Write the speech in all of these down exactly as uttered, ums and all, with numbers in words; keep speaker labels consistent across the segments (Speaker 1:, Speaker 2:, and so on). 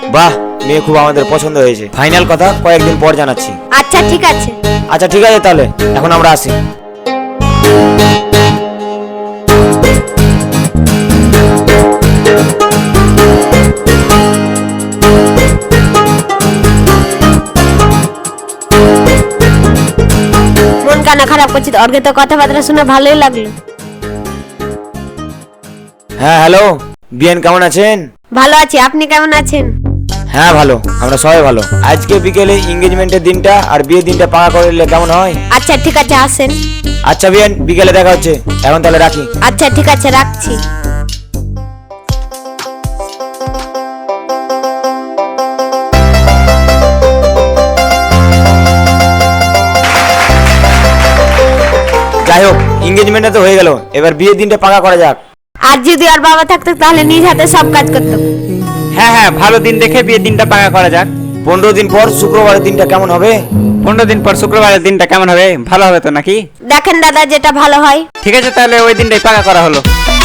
Speaker 1: বাহ, মেয়ে খুব আমাদের পছন্দ হয়েছে। ফাইনাল কথা কয়েকদিন পর জানাচ্ছি।
Speaker 2: আচ্ছা ঠিক আছে।
Speaker 1: আচ্ছা ঠিক আছে, তাহলে এখন আমরা আসি।
Speaker 2: মন কানা খারাপ করছিস, অর্গে তো কথাবার্তা শুনে ভালোই লাগলো।
Speaker 1: হ্যাঁ হ্যালো, বিয়ান কেমন আছেন?
Speaker 2: ভালো আছি, আপনি কেমন আছেন?
Speaker 1: হ্যাঁ ভালো, আমরা সবাই ভালো। আজকে বিকেলে এনগেজমেন্টের দিনটা আর বিয়ের দিনটা পাকা করে নিলে কেমন হয়?
Speaker 2: আচ্ছা ঠিক আছে, আসেন।
Speaker 1: আচ্ছা বিয়ান, বিকেলে দেখা হচ্ছে, এখন তাহলে রাখি।
Speaker 2: আচ্ছা ঠিক আছে, রাখছি।
Speaker 1: যাই হোক, এনগেজমেন্টটা তো হয়ে গেল, এবার বিয়ের দিনটা পাকা করা যাক।
Speaker 2: আর যদি আর বাবা থাকতো তাহলে নিজ হাতে সব কাজ করতো।
Speaker 3: হ্যাঁ হ্যাঁ, ভালো দিন দেখে বিয়ের দিনটা পাকা করা যাক।
Speaker 1: পনেরো দিন পর শুক্রবারের দিনটা কেমন হবে?
Speaker 3: পনেরো দিন পর শুক্রবারের দিনটা কেমন হবে? ভালো হবে তো নাকি?
Speaker 2: দেখেন দাদা, যেটা ভালো হয়।
Speaker 3: ঠিক আছে, তাহলে ওই দিনটাই পাকা করা হলো।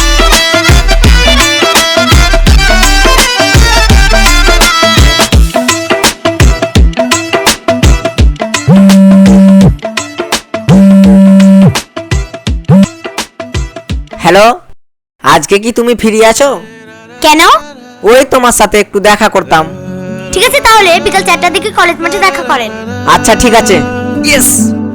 Speaker 3: হ্যালো, আজকে কি তুমি ফ্রি আছো?
Speaker 2: কেন?
Speaker 3: ওই তোমার সাথে একটু দেখা করতাম।
Speaker 2: ঠিক আছে, তাহলে বিকাল চারটার দিকে কলেজ মাঠে দেখা করেন।
Speaker 3: আচ্ছা ঠিক আছে। ইয়েস।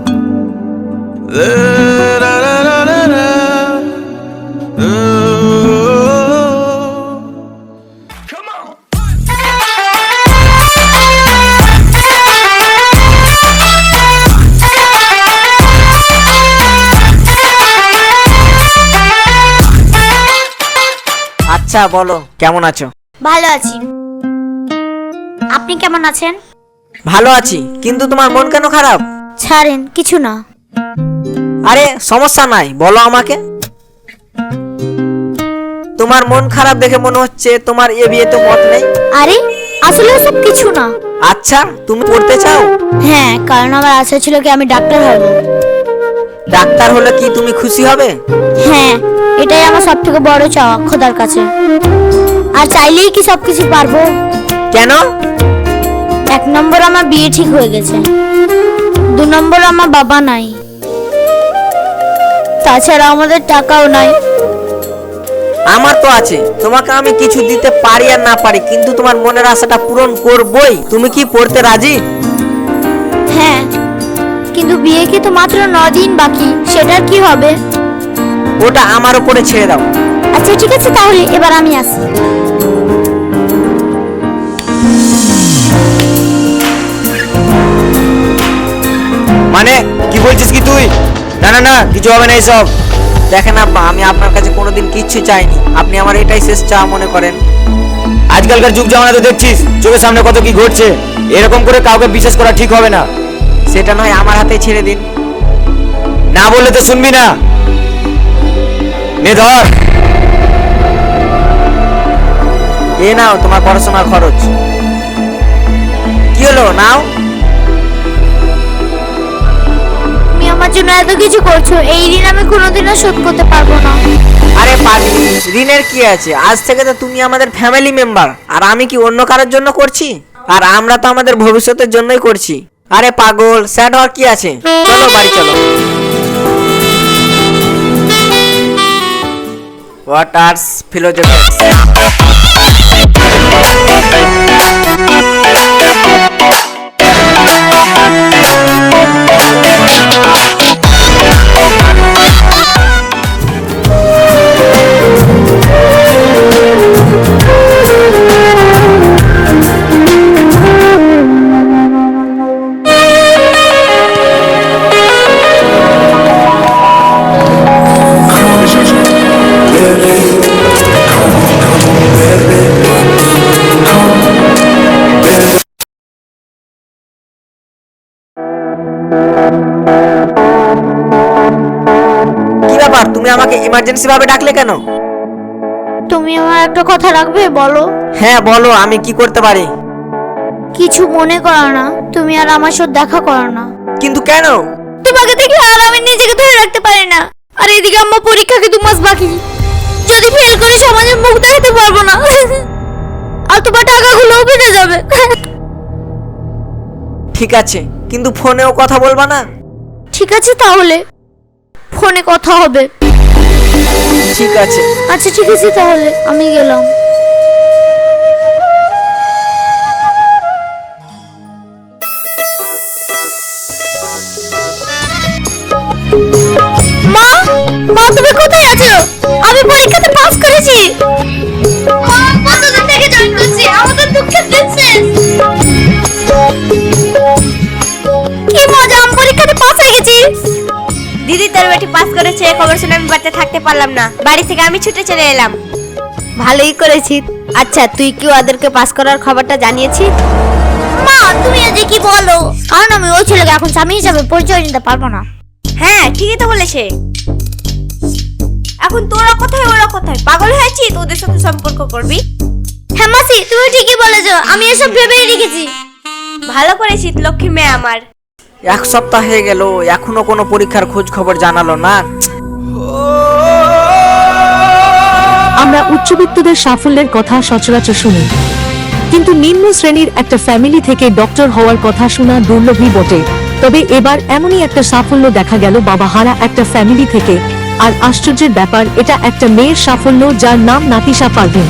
Speaker 3: আচ্ছা বলো, কেমন আছো?
Speaker 2: ভালো আছি, আপনি কেমন আছেন?
Speaker 3: ভালো আছি, কিন্তু তোমার মন কেন খারাপ?
Speaker 2: ছাড়েন, কিছু না।
Speaker 3: আরে সমস্যা নাই, বলো আমাকে। তোমার মন খারাপ দেখে মনে হচ্ছে তোমার এ বিয়েতে মত নেই।
Speaker 2: আরে আসলে ওসব কিছু না।
Speaker 3: আচ্ছা, তুমি পড়তে চাও?
Speaker 2: হ্যাঁ, কারণ আমার আশা ছিল কি আমি ডাক্তার হব।
Speaker 3: ডাক্তার হলে কি তুমি খুশি হবে?
Speaker 2: হ্যাঁ, এটাই আমার সব থেকে বড় চাওয়া খোদার কাছে। আর চাইলেই কি সবকিছু পারবো?
Speaker 3: কেন?
Speaker 2: এক নম্বর আমার বিয়ে ঠিক হয়ে গেছে, দু নম্বর আমার বাবা নাই, তাছাড়া আমাদের টাকাও নাই।
Speaker 3: আমার তো আছে, তোমাকে আমি কিছু দিতে পারি আর না পারি, কিন্তু তোমার মনের আশাটা পূরণ করবই। তুমি কি পড়তে রাজি?
Speaker 2: হ্যাঁ, কিন্তু বিয়ে কি তো মাত্র ন দিন বাকি, সেটার কি হবে?
Speaker 3: ওটা আমার উপরে ছেড়ে দাও।
Speaker 2: আচ্ছা ঠিক আছে, তাহলে এবার আমি আসি।
Speaker 1: মানে কি বলছিস কি তুই? না না না, কিছু হবে না এইসব।
Speaker 3: দেখেন আব্বা, আমি আপনার কাছে কোনোদিন কিচ্ছু চাইনি, আপনি আমার এটাই শেষ চাওয়া মনে করেন।
Speaker 1: আজকালকার যুগ জামানা তো দেখছিস, চোখের সামনে কত কি ঘটছে। এরকম করে কাউকে বিশ্বাস করা ঠিক হবে না।
Speaker 3: সেটা নয়, আমার হাতে ছেড়ে দিন।
Speaker 1: না বললে তো শুনবি না। নে ধর।
Speaker 3: এ নাও তোমার পড়াশোনার খরচ। কি হলো, নাও।
Speaker 2: তুমি আমার জন্য এত কিছু করছো, এই ঋণ আমি কোনোদিনও শোধ করতে পারবো না।
Speaker 3: আরে পাগলি, ঋণের কি আছে? আজ থেকে তো তুমি আমাদের ফ্যামিলি মেম্বার, আর আমি কি অন্য কারোর জন্য করছি? আর আমরা তো আমাদের ভবিষ্যতের জন্যই করছি। আরে পাগল, স্যাড হওয়ার কি আছে? চলো বাড়ি চলো। ওয়াটার্স ফিলোজফিক্স। কি ব্যাপার, তুমি আমাকে ইমার্জেন্সি ভাবে ডাকলে কেন?
Speaker 2: তুমি আমার একটা কথা রাখবে, বলো?
Speaker 3: হ্যাঁ বলো, আমি কি করতে পারি?
Speaker 2: কিছু মনে করো না, তুমি আর আমার সাথে দেখা করো না।
Speaker 3: কিন্তু কেন?
Speaker 2: তোমাকে দেখলে আর আমি নিজেকে ধরে রাখতে পারি না। আর এদিকে আমার পরীক্ষাকে দু মাস বাকি, যদি ফেল করি সমাজের মুখ দেখাতে পারবো না। আর তোমার টাকাগুলো বেঁচে যাবে।
Speaker 3: ঠিক আছে, কিন্তু ফোনেও কথা বলবা না?
Speaker 2: ঠিক আছে, তাহলে ফোনে কথা হবে।
Speaker 3: ঠিক আছে।
Speaker 2: আচ্ছা ঠিক আছে, তাহলে আমি গেলাম। মা, মা তুমি কোথায় আছো? আমি পরীক্ষাতে পাস করেছি। মা, কতদিন থেকে জয়েন করছি, আমাদের দুঃখের দিন শেষ। কি মজা, আমি পরীক্ষাতে পাস হয়ে গেছি।
Speaker 4: দিদি তোর বেটি পাস করেছে খবর শুনে আমি বাড়িতে থাকতে পারলাম না, বাড়ি থেকে আমি ছুটে চলে এলাম। ভালোই করেছিস। আচ্ছা তুই কি ওদেরকে পাস করার খবরটা জানিয়েছিস?
Speaker 2: মা তুমি আজ কি বলো? কারণ আমি ওই ছেলেকে এখন স্বামী হিসাবে পরিচয় দিতে পারবো না।
Speaker 4: হ্যাঁ ঠিকই তো বলেছে। এখন তোরা কোথায় ওরা কোথায়, পাগল হয়েছিস ওদের সাথে সম্পর্ক করবি?
Speaker 2: হ্যাঁ মাসি, তুমি ঠিকই বলেছো, আমি এসব ভেবেই রেখেছি।
Speaker 4: ভালো করেছিস লক্ষ্মী মেয়ে আমার।
Speaker 3: এক সপ্তাহ হয়ে গেল, এখনো কোনো পরীক্ষার খোঁজ খবর জানালো না।
Speaker 5: আমরা উচ্চবিত্তদের সাফল্যের কথা সচরাচর শুনি, কিন্তু নিম্ন শ্রেণীর একটা ফ্যামিলি থেকে ডক্টর হওয়ার কথা শোনা দুর্লভই বটে। তবে এবার এমনই একটা সাফল্য দেখা গেল বাবাহারা একটা ফ্যামিলি থেকে। আর আশ্চর্যের ব্যাপার, এটা একটা মেয়ের সাফল্য যার নাম নাতিশা পারভিন।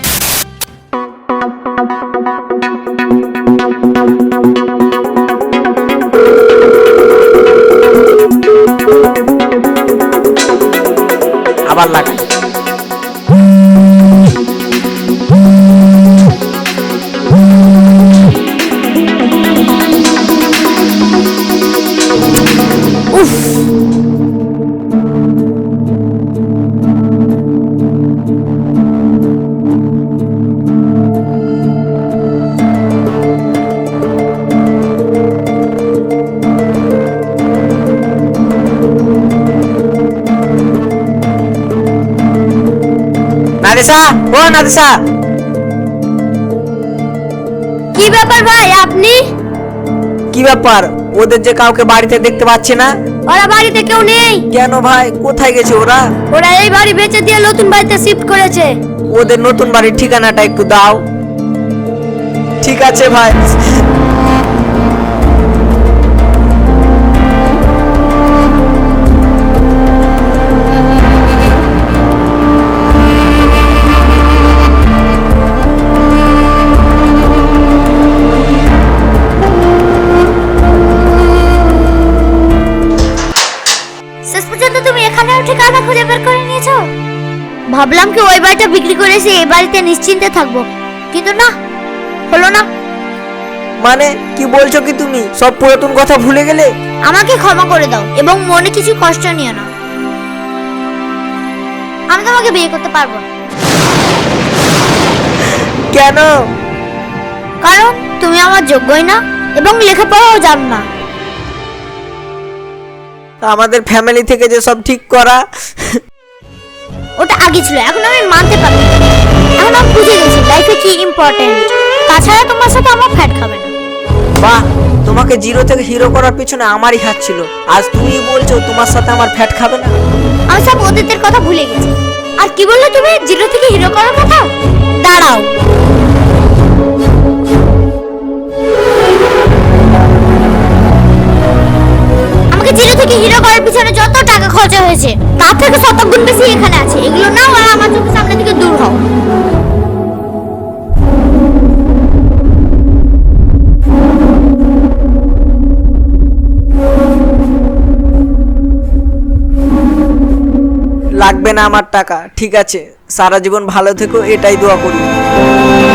Speaker 3: আবার লাগা। নাদিসা, ও নাদিসা।
Speaker 2: কি ব্যাপার ভাই আপনি?
Speaker 3: কি ব্যাপার, ওদের যে কাউকে বাড়িতে দেখতে পাচ্ছি না?
Speaker 2: ওরা বাড়িতে কেউ নেই।
Speaker 3: কেন ভাই, কোথায় গেছে ওরা?
Speaker 2: ওরা এই বাড়ি বেচে দিয়ে নতুন বাড়িতে শিফট করেছে।
Speaker 3: ওদের নতুন বাড়ির ঠিকানাটা একটু দাও। ঠিক আছে ভাই।
Speaker 2: শেষ পর্যন্ত তুমি এখানেও ঠিকানা খুঁজে বের করে নিয়েছো। ভাবলাম কি ওই বাড়িটা বিক্রি করেছি এই বাড়িতে নিশ্চিন্তে থাকবো, কিন্তু না, হলো না।
Speaker 3: মানে কি বলছো কি তুমি? সব পুরাতন কথা ভুলে গেলে?
Speaker 2: আমাকে ক্ষমা করে দাও এবং মনে কিছু কষ্ট নিও না। আমি তোমাকে বিয়ে করতে পারবো না।
Speaker 3: কেন?
Speaker 2: কারণ তুমি আমার যোগ্যই না এবং লেখাপড়াও জানো না।
Speaker 3: আমাদের ফ্যামিলি থেকে যে সব ঠিক করা,
Speaker 2: ওটা আগে ছিল, এখন আমি মানতে পারি। এখন আমি বুঝে গেছি লাইফে কি ইম্পর্টেন্ট। তাছাড়া তোমার সাথে আমার ফ্যাট খাবে না।
Speaker 3: বাহ, তোমাকে জিরো থেকে হিরো করার পিছনে আমারই হাত ছিল। আজ তুমি বলছো তোমার সাথে আমার ফ্যাট খাবে না?
Speaker 2: আমি সব অতীতের কথা ভুলে গেছি। আর কি বললে তুমি, জিরো থেকে হিরো করার কথা? দাঁড়াও, আমাকে জিরো থেকে হিরো করার পিছনে যত টাকা খরচা হয়েছে তার থেকে শতগুণ বেশি এখানে আছে। এগুলো নাও আর আমার চোখের সামনে থেকে দূর হও।
Speaker 3: লাগবে না আমার টাকা, ঠিক আছে? সারা জীবন ভালো থেকো, এটাই দোয়া করি।